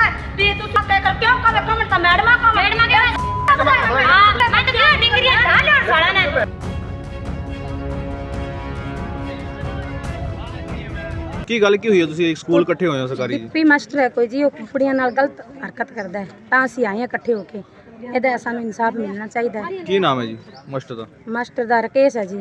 ਵੀ ਤੂੰ ਸੱਤੇ ਕਰ ਕਿਉਂ ਕਵੇ ਕਮੈਂਟ ਤਾਂ ਮੈਡਮਾਂ ਕੋ ਮੈਡਮਾਂ ਕੇ ਹਾਂ ਮੈਂ ਤਾਂ ਕਿਹਾ ਡਿਗਰੀਆਂ ਢਾ ਲਿਆ ਸਾਲਾ ਨੇ। ਕੀ ਗੱਲ ਕੀ ਹੋਈ ਹੈ ਤੁਸੀਂ ਸਕੂਲ ਇਕੱਠੇ ਹੋਏ ਹੋ ਸਰਕਾਰੀ ਜੀ? ਪੀ ਮਾਸਟਰ ਹੈ ਕੋਈ ਜੀ, ਉਹ ਕੁੜੀਆਂ ਨਾਲ ਗਲਤ ਹਰਕਤ ਕਰਦਾ ਹੈ ਤਾਂ ਅਸੀਂ ਆਏ ਹਾਂ ਇਕੱਠੇ ਹੋ ਕੇ। ਇਹਦਾ ਸਾਨੂੰ ਇਨਸਾਫ ਮਿਲਣਾ ਚਾਹੀਦਾ ਹੈ। ਕੀ ਨਾਮ ਹੈ ਜੀ ਮਾਸਟਰ ਦਾ? ਮਾਸਟਰ ਦਾ ਰਕੇਸ਼ ਹੈ ਜੀ।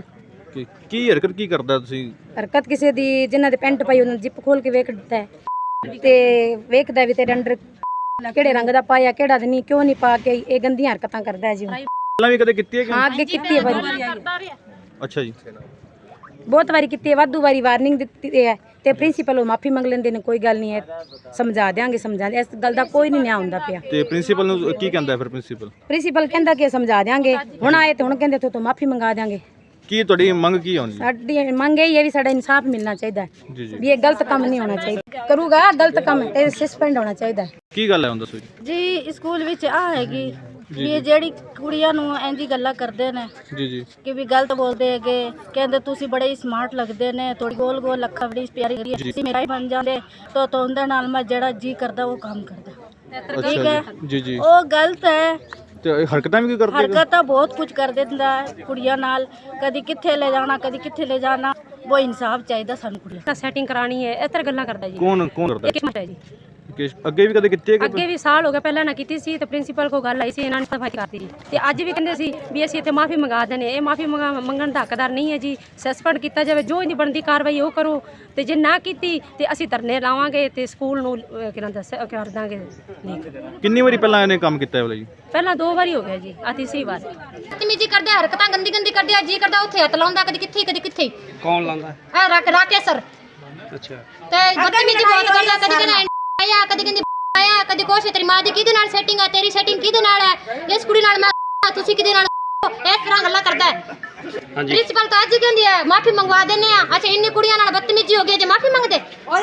ਕੀ ਹਰਕਤ ਕੀ ਕਰਦਾ ਤੁਸੀਂ? ਹਰਕਤ ਕਿਸੇ ਦੀ ਜਿਨ੍ਹਾਂ ਦੇ ਪੈਂਟ ਪਾਈ ਉਹਨਾਂ ਨੇ ਜਿੱਪ ਖੋਲ ਕੇ ਵੇਖ ਦਿੱਤਾ ਹੈ ਤੇ ਵੇਖਦਾ ਵੀ ਤੇਰੇ ਅੰਡਰ ਕਿਹੜੇ ਰੰਗ ਦਾ ਪਾਇਆ ਕਿਹੜਾ ਨਹੀਂ ਕਿਉਂ ਨਹੀਂ ਪਾ ਕੇ ਇਹ ਗੰਦੀਆਂ ਹਰਕਤਾਂ ਕਰਦਾ ਹੈ ਜੀ। ਪਹਿਲਾਂ ਵੀ ਕਦੇ ਕੀਤੀ ਹੈ ਕਿ? ਹਾਂ ਅੱਗੇ ਕੀਤੀ ਹੈ ਵਾਰੀ। ਅੱਛਾ ਜੀ। ਬਹੁਤ ਵਾਰੀ ਕੀਤੀ ਹੈ, ਵਾਧੂ ਵਾਰੀ ਵਾਰਨਿੰਗ ਦਿੱਤੀ ਹੈ ਤੇ ਪ੍ਰਿੰਸੀਪਲ ਉਹ ਮਾਫੀ ਮੰਗ ਲੈਂਦੇ ਨੇ, ਕੋਈ ਗੱਲ ਨਹੀਂ ਹੈ ਸਮਝਾ ਦਿਆਂਗੇ ਇਸ ਗੱਲ ਦਾ ਕੋਈ ਨਹੀਂ ਨਿਆਂ ਹੁੰਦਾ ਪਿਆ। ਤੇ ਪ੍ਰਿੰਸੀਪਲ ਨੂੰ ਕੀ ਕਹਿੰਦਾ ਫਿਰ? ਪ੍ਰਿੰਸੀਪਲ ਕਹਿੰਦਾ ਕਿ ਸਮਝਾ ਦਿਆਂਗੇ, ਹੁਣ ਆਏ ਤੇ ਹੁਣ ਕਹਿੰਦੇ ਤੋਂ ਮਾਫੀ ਮੰਗਾ ਦਿਆਂਗੇ। ਕੀ ਤੁਹਾਡੀ ਮੰਗ ਕੀ ਹੋਣੀ? ਸਾਡੀ ਮੰਗ ਇਹ ਹੈ ਵੀ ਸਾਡਾ ਇਨਸਾਫ ਮਿਲਣਾ ਚਾਹੀਦਾ ਹੈ ਵੀ ਇਹ ਗਲਤ ਕੰਮ ਨਹੀਂ ਹੋਣਾ ਚਾਹੀਦਾ, ਕਰੂਗਾ ਗਲਤ ਕੰਮ ਇਹ ਸਸਪੈਂਡ ਹੋਣਾ ਚਾਹੀਦਾ ਹੈ। ਕੀ ਗੱਲ ਹੈ ਹੁਣ ਦੱਸੋ ਜੀ। ਸਕੂਲ ਵਿੱਚ ਆ ਹੈਗੀ ਵੀ ਇਹ ਜਿਹੜੀ ਕੁੜੀਆਂ ਨੂੰ ਇੰਜੀ ਗੱਲਾਂ ਕਰਦੇ ਨੇ ਜੀ ਕਿ ਵੀ ਗਲਤ ਬੋਲਦੇ ਹੈਗੇ, ਕਹਿੰਦੇ ਤੁਸੀਂ ਬੜੇ ਹੀ ਸਮਾਰਟ ਲੱਗਦੇ ਨੇ, ਥੋੜੀ ਗੋਲ ਗੋਲ ਅੱਖਾਂ ਬੜੀ ਪਿਆਰੀ ਤੁਸੀਂ ਮੇਰਾ ਹੀ ਬਣ ਜਾਂਦੇ ਤਾਂ ਉਹਦੇ ਨਾਲ ਮੈਂ ਜਿਹੜਾ ਜੀ ਕਰਦਾ ਉਹ ਕੰਮ ਕਰਦਾ। ਠੀਕ ਹੈ ਜੀ ਉਹ ਗਲਤ ਹੈ। ਤੇ ਹਰਕਤਾਂ ਵੀ ਕੀ ਕਰਦੇ? ਹਰਕਤਾਂ ਬਹੁਤ ਕੁਝ ਕਰ ਦਿੰਦਾ ਹੈ ਕੁੜੀਆਂ ਨਾਲ, ਕਦੀ ਕਿੱਥੇ ਲੈ ਜਾਣਾ ਕਦੀ ਕਿੱਥੇ ਲੈ ਜਾਣਾ। ਉਹ ਇਨਸਾਫ ਚਾਹੀਦਾ ਸਾਨੂੰ ਕੁੜੀਆਂ ਸੈਟਿੰਗ ਕਰਾਣੀ ਹੈ ਇਸ ਤਰ੍ਹਾਂ ਗੱਲਾਂ ਕਰਦਾ ਜੀ। ਕੌਣ ਕਰਦਾ? ਇੱਕ ਹੈ ਜੀ। ਅੱਗੇ ਵੀ ਕਦੇ ਕੀਤੀ ਹੈ? ਅੱਗੇ ਵੀ ਸਾਲ ਹੋ ਗਿਆ, ਪਹਿਲਾਂ ਨਾ ਕੀਤੀ ਸੀ ਤੇ ਪ੍ਰਿੰਸੀਪਲ ਕੋਲ ਗੱਲ ਆਈ ਸੀ, ਇਹਨਾਂ ਨੇ ਸਫਾਈ ਕਰਤੀ ਜੀ। ਤੇ ਅੱਜ ਵੀ ਕਹਿੰਦੇ ਸੀ ਵੀ ਅਸੀਂ ਇੱਥੇ ਮਾਫੀ ਮੰਗਾ ਦੇਣੇ, ਇਹ ਮਾਫੀ ਮੰਗਣ ਦਾ ਹੱਕਦਾਰ ਨਹੀਂ ਹੈ ਜੀ। ਸਸਪੈਂਡ ਕੀਤਾ ਜਾਵੇ, ਜੋ ਇਹਦੀ ਬਣਦੀ ਕਾਰਵਾਈ ਉਹ ਕਰੋ ਤੇ ਜੇ ਨਾ ਕੀਤੀ ਤੇ ਅਸੀਂ ਧਰਨੇ ਲਾਵਾਂਗੇ ਤੇ ਸਕੂਲ ਨੂੰ ਕਰ ਦਾਂਗੇ। ਕਿੰਨੀ ਵਾਰੀ ਪਹਿਲਾਂ ਇਹਨੇ ਕੰਮ ਕੀਤਾ ਹੈ ਜੀ? ਪਹਿਲਾਂ 2 ਵਾਰੀ ਹੋ ਗਿਆ ਜੀ, ਆ ਤੀਸਰੀ ਵਾਰ। ਬਦਤਮੀਜੀ ਕਰਦੇ, ਹਰਕਤਾਂ ਗੰਦੀ ਗੰਦੀ ਕਰਦੇ ਆ, ਜੀ ਕਰਦਾ ਉੱਥੇ ਹੱਥ ਲਾਉਂਦਾ, ਕਦੀ ਕਿੱਥੇ ਕਦੀ ਕਿੱਥੇ। ਕੌਣ ਲਾਉਂਦਾ? ਆ ਰਾਕੇਸ਼ ਸਰ। ਅੱਛਾ। ਤੇ ਬਦਤਮੀਜੀ ਬਹੁਤ ਕਰਦਾ, ਕਦੀ ਕਹਿੰਦਾ ਆਇਆ ਕਦੀ ਕਹਿੰਦੀ ਆਇਆ ਕਦੀ ਕੁਛ। ਤੇਰੀ ਮਾਂ ਦੀ ਕਿਹਦੇ ਨਾਲ ਸੈਟਿੰਗ ਆ, ਤੇਰੀ ਸੈਟਿੰਗ ਕਿਹਦੇ ਨਾਲ ਹੈ, ਇਸ ਕੁੜੀ ਨਾਲ ਮੈਂ ਤੁਸੀਂ ਕਿਹਦੇ ਨਾਲ, ਇਸ ਤਰ੍ਹਾਂ ਗੱਲਾਂ ਕਰਦਾ ਹੈ। ਪ੍ਰਿੰਸੀਪਲ ਤਾਂ ਅੱਜ ਹੀ ਕਹਿੰਦੀ ਹੈ ਮਾਫੀ ਮੰਗਵਾ ਦਿੰਨੇ ਆ। ਅੱਛਾ ਇੰਨੀ ਕੁੜੀਆਂ ਨਾਲ ਬਦਤਮੀਜੀ ਹੋ ਗਈ ਜੇ ਮਾਫੀ ਮੰਗਦੇ?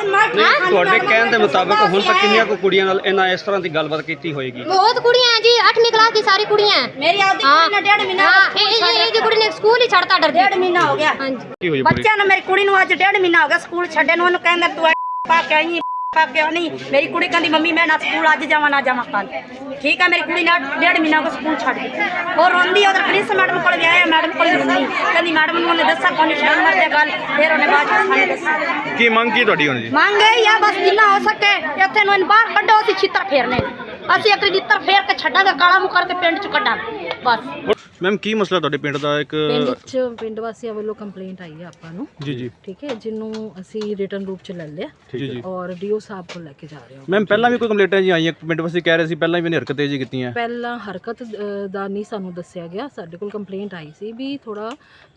ਤੁਹਾਡੇ ਕਹਿਣ ਦੇ ਮੁਤਾਬਕ ਹੁਣ ਤੱਕ ਕਿੰਨੀਆਂ ਕੁ ਕੁੜੀਆਂ ਨਾਲ ਇਹਨਾਂ ਇਸ ਤਰ੍ਹਾਂ ਦੀ ਗੱਲਬਾਤ ਕੀਤੀ ਹੋਏਗੀ? ਬਹੁਤ ਕੁੜੀਆਂ ਜੀ, 8ਵੀਂ ਕਲਾਸ ਦੀ ਸਾਰੀ ਕੁੜੀਆਂ। ਮੇਰੀ ਆਪਦੀ ਕੁੜੀ ਨੇ 1.5 ਮਹੀਨਾ ਇਹ ਦੀ ਕੁੜੀ ਨੇ ਸਕੂਲ ਹੀ ਛੱਡਤਾ ਡਰਦੀ। 1.5 ਮਹੀਨਾ ਹੋ ਗਿਆ ਹਾਂਜੀ। ਬੱਚਿਆਂ ਨੂੰ, ਮੇਰੀ ਕੁੜੀ ਨੂੰ ਅੱਜ 1.5 ਮਹੀਨਾ ਹੋ ਗਿਆ ਸਕੂਲ ਛੱਡੇ ਨੂੰ। ਉਹਨੂੰ ਕਹਿੰਦਾ ਤੂੰ ਪਾ ਕੇ ਆਈ ਪਾ ਕੇ ਨਹੀਂ। ਮੇਰੀ ਕੁੜੀ ਕਹਿੰਦੀ ਮੰਮੀ ਮੈਂ ਨਾ ਸਕੂਲ ਅੱਜ ਜਾਵਾਂ ਨਾ ਜਾਵਾਂ ਕੱਲ। ਠੀਕ ਹੈ, ਮੇਰੀ ਕੁੜੀ ਨੇ 1.5 ਮਹੀਨਾ ਕੋ ਸਕੂਲ ਛੱਡ ਦਿੱਤਾ। ਉਹ ਰੋਂਦੀ ਉਧਰ ਪ੍ਰਿੰਸ ਮੈਡਮ ਕੋਲ ਗਿਆ, ਮੈਡਮ ਕੋਲ ਰੋਂਦੀ, ਕਹਿੰਦੀ ਮੈਡਮ ਨੂੰ ਉਹਨੇ ਦੱਸਿਆ ਕੋਈ ਸ਼ਰਮ ਮਰਦੇ ਗੱਲ। ਫਿਰ ਉਹਨੇ ਬਾਅਦ ਵਿੱਚ ਸਾਨੂੰ ਦੱਸਿਆ। ਕੀ ਮੰਗ ਕੀ ਤੁਹਾਡੀ ਹੁਣ ਜੀ? ਮੰਗ ਇਹ ਆ ਬਸ ਜਿੰਨਾ ਹੋ ਸਕੇ ਇੱਥੇ ਨੂੰ ਬਾਹਰ ਕੱਢੋ, ਅਸੀਂ ਛਿੱਤਰ ਫੇਰਨੇ। ਅਸੀਂ ਇੱਕ ਛਿੱਤਰ ਫੇਰ ਕੇ ਛੱਡਾਂਗੇ, ਕਾਲਾ ਮੂੰਹ ਕਰਕੇ ਪਿੰਡ ਚ ਕੱਢਾਂਗੇ ਬਸ। ਮੈਮ ਕੀ ਮਸਲਾ ਤੁਹਾਡੇ ਪਿੰਡ ਦਾ? ਇੱਕ ਪਿੰਡ ਵਾਸੀਆਂ ਵੱਲੋਂ ਕੰਪਲੇਂਟ ਆਈ ਹੈ ਆਪਾਂ ਨੂੰ। ਜੀ ਠੀਕ ਹੈ, ਜਿਹਨੂੰ ਅਸੀਂ ਰਿਟਨ ਰੂਪ ਚ ਲੈ ਲਿਆ ਜੀ ਔਰ ਡੀਓ ਸਾਹਿਬ ਕੋਲ ਲੈ ਕੇ ਜਾ ਰਹੇ ਹਾਂ। ਮੈਮ ਪਹਿਲਾਂ ਵੀ ਕੋਈ ਕੰਪਲੇਂਟਾਂ ਜੀ ਆਈਆਂ ਪਿੰਡ ਵਾਸੀ ਕਹਿ ਰਹੇ ਸੀ ਪਹਿਲਾਂ ਵੀ ਇਹਨੇ ਹਰਕਤਾਂ ਜੀ ਕੀਤੀਆਂ? ਪਹਿਲਾਂ ਹਰਕਤ ਦਾ ਨਹੀਂ ਸਾਨੂੰ ਦੱਸਿਆ ਗਿਆ, ਸਾਡੇ ਕੋਲ ਕੰਪਲੇਂਟ ਆਈ ਸੀ ਵੀ ਥੋੜਾ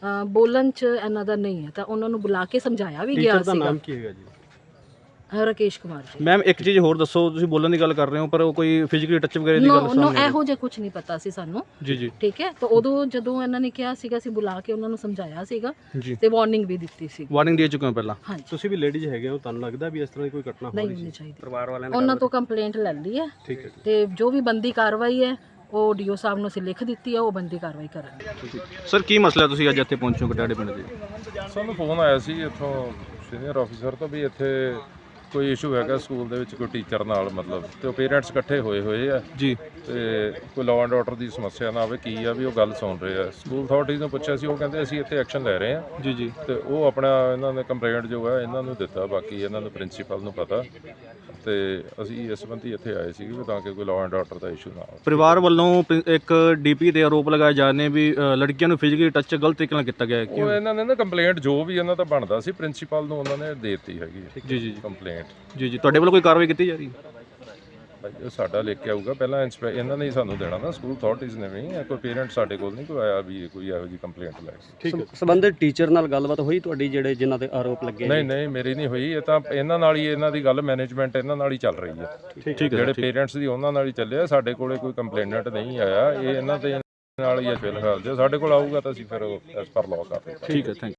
ਬੋਲਣ ਚ ਇਹਨਾਂ ਦਾ ਨਹੀਂ ਹੈ, ਤਾਂ ਉਹਨਾਂ ਨੂੰ ਬੁਲਾ ਕੇ ਸਮਝਾਇਆ ਵੀ ਗਿਆ ਸੀਗਾ। ਨਾਮ ਕੀ ਹੈਗਾ ਜੀ? ਰਕੇਸ਼ ਕੁਮਾਰ ਜੀ। ਮੈਮ ਇੱਕ ਚੀਜ਼ ਹੋਰ ਦੱਸੋ, ਤੁਸੀਂ ਬੋਲਣ ਦੀ ਗੱਲ ਕਰ ਰਹੇ ਹੋ ਪਰ ਉਹ ਕੋਈ ਫਿਜ਼ੀਕਲੀ ਟੱਚ ਵਗੈਰਾ ਦੀ ਗੱਲ ਨੋ ਇਹੋ ਜਿਹਾ ਕੁਝ ਨਹੀਂ ਪਤਾ ਸੀ ਸਾਨੂੰ। ਜੀ ਠੀਕ ਹੈ, ਤਾਂ ਉਦੋਂ ਜਦੋਂ ਇਹਨਾਂ ਨੇ ਕਿਹਾ ਸੀਗਾ ਅਸੀਂ ਬੁਲਾ ਕੇ ਉਹਨਾਂ ਨੂੰ ਸਮਝਾਇਆ ਸੀਗਾ ਤੇ ਵਾਰਨਿੰਗ ਵੀ ਦਿੱਤੀ ਸੀ। ਵਾਰਨਿੰਗ ਦੇ ਚੁੱਕੇ ਹੋ ਪਹਿਲਾਂ? ਹਾਂਜੀ। ਤੁਸੀਂ ਵੀ ਲੇਡੀਜ਼ ਹੈਗੇ ਹੋ, ਤੁਹਾਨੂੰ ਲੱਗਦਾ ਵੀ ਇਸ ਤਰ੍ਹਾਂ ਦੀ ਕੋਈ ਘਟਨਾ ਨਹੀਂ ਹੋਣੀ ਚਾਹੀਦੀ? ਪਰਿਵਾਰ ਵਾਲਿਆਂ ਨੇ ਉਹਨਾਂ ਤੋਂ ਕੰਪਲੇਂਟ ਲੈ ਲਈ ਹੈ। ਠੀਕ ਹੈ ਤੇ ਜੋ ਵੀ ਬੰਦੀ ਕਾਰਵਾਈ ਹੈ ਉਹ ਡੀਓ ਸਾਹਿਬ ਨੂੰ ਅਸੀਂ ਲਿਖ ਦਿੱਤੀ ਹੈ, ਉਹ ਬੰਦੀ ਕਾਰਵਾਈ ਕਰਾਂਗੇ। ਸਰ ਕੀ ਮਸਲਾ ਤੁਸੀਂ ਅੱਜ ਇੱਥੇ ਪਹੁੰਚੇ ਹੋ ਕਟਾੜੇ ਪਿੰਡ ਦੇ? ਸਾਨੂੰ ਫੋਨ ਆਇਆ ਸੀ ਇੱਥੋਂ ਸੀਨੀਅਰ ਆਫੀਸਰ ਤੋਂ ਵੀ ਇੱਥੇ ਕੋਈ ਇਸ਼ੂ ਹੈਗਾ ਸਕੂਲ ਦੇ ਵਿੱਚ ਕੋਈ ਟੀਚਰ ਨਾਲ, ਮਤਲਬ ਤੇ ਉਹ ਪੇਰੈਂਟਸ ਇਕੱਠੇ ਹੋਏ ਆ ਜੀ, ਤੇ ਕੋਈ ਲਾਅ ਐਂਡ ਆਰਡਰ ਦੀ ਸਮੱਸਿਆ ਨਾ ਆਵੇ, ਕੀ ਆ ਵੀ ਉਹ ਗੱਲ ਸੁਣ ਰਹੇ ਆ। ਸਕੂਲ ਅਥਾਰਟੀਜ਼ ਨੂੰ ਪੁੱਛਿਆ ਸੀ, ਉਹ ਕਹਿੰਦੇ ਅਸੀਂ ਇੱਥੇ ਐਕਸ਼ਨ ਲੈ ਰਹੇ ਆ। ਜੀ ਤੇ ਉਹ ਆਪਣਾ ਇਹਨਾਂ ਨੇ ਕੰਪਲੇਂਟ ਜੋ ਹੈ ਇਹਨਾਂ ਨੂੰ ਦਿੱਤਾ, ਬਾਕੀ ਇਹਨਾਂ ਨੂੰ ਪ੍ਰਿੰਸੀਪਲ ਨੂੰ ਪਤਾ, ਤੇ ਅਸੀਂ ਇਸ ਸੰਬੰਧੀ ਇੱਥੇ ਆਏ ਸੀ ਤਾਂ ਕਿ ਕੋਈ ਲਾਅ ਐਂਡ ਆਰਡਰ ਦਾ ਇਸ਼ੂ ਨਾ ਆਵੇ। ਪਰਿਵਾਰ ਵੱਲੋਂ ਇੱਕ ਡੀਪੀ ਤੇ ਆਰੋਪ ਲਗਾਏ ਜਾ ਰਹੇ ਨੇ ਵੀ ਲੜਕੀਆਂ ਨੂੰ ਫਿਜ਼ੀਕਲੀ ਟੱਚ ਗਲਤ ਤਰੀਕੇ ਨਾਲ ਕੀਤਾ ਗਿਆ ਹੈ। ਉਹ ਇਹਨਾਂ ਨੇ ਨਾ ਕੰਪਲੇਂਟ ਜੋ ਵੀ ਇਹਨਾਂ ਦਾ ਬਣਦਾ ਸੀ ਪ੍ਰਿੰਸੀਪਲ ਨੂੰ ਉਹਨਾਂ ਨੇ ਦੇ ਦਿੱਤੀ ਹੈਗੀ ਜੀ ਕੰਪਲੇਂਟ। ਜੀ ਤੁਹਾਡੇ ਵੱਲੋਂ ਕੋਈ ਕਾਰਵਾਈ ਕੀਤੀ ਜਾ ਰਹੀ ਹੈ? ਉਹ ਸਾਡਾ ਲਿਖ ਕੇ ਆਊਗਾ ਪਹਿਲਾਂ, ਇਹਨਾਂ ਨੇ ਹੀ ਸਾਨੂੰ ਦੇਣਾ ਨਾ, ਸਕੂਲ ਅਥਾਰਟੀਜ਼ ਨੇ ਵੀ। ਕੋਈ ਪੇਰੈਂਟ ਸਾਡੇ ਕੋਲ ਨਹੀਂ ਕੋਈ ਆਇਆ ਵੀ ਕੋਈ ਇਹੋ ਜਿਹੀ ਕੰਪਲੇਂਟ ਲੈ ਕੇ। ਸੰਬੰਧਿਤ ਟੀਚਰ ਨਾਲ ਗੱਲਬਾਤ ਹੋਈ ਤੁਹਾਡੀ ਜਿਹੜੇ ਜਿਨ੍ਹਾਂ ਤੇ ਆਰੋਪ ਲੱਗੇ? ਨਹੀਂ ਮੇਰੀ ਨਹੀਂ ਹੋਈ, ਇਹ ਤਾਂ ਇਹਨਾਂ ਨਾਲ ਹੀ, ਇਹਨਾਂ ਦੀ ਗੱਲ ਮੈਨੇਜਮੈਂਟ ਇਹਨਾਂ ਨਾਲ ਹੀ ਚੱਲ ਰਹੀ ਹੈ। ਜਿਹੜੇ ਪੇਰੈਂਟਸ ਦੀ ਉਹਨਾਂ ਨਾਲ ਹੀ ਚੱਲਿਆ, ਸਾਡੇ ਕੋਲੇ ਕੋਈ ਕੰਪਲੇਨੈਂਟ ਨਹੀਂ ਆਇਆ, ਇਹ ਇਹਨਾਂ ਦੇ ਨਾਲ ਹੀ ਹੈ ਫਿਲਹਾਲ। ਜੇ ਸਾਡੇ ਕੋਲ ਆਊਗਾ ਤਾਂ ਅਸੀਂ ਫਿਰ ਐਸ ਪਰ ਲਾਅ ਕਰ ਦੇਵਾਂਗੇ। ਠੀਕ ਹੈ, ਥੈਂਕ ਯੂ।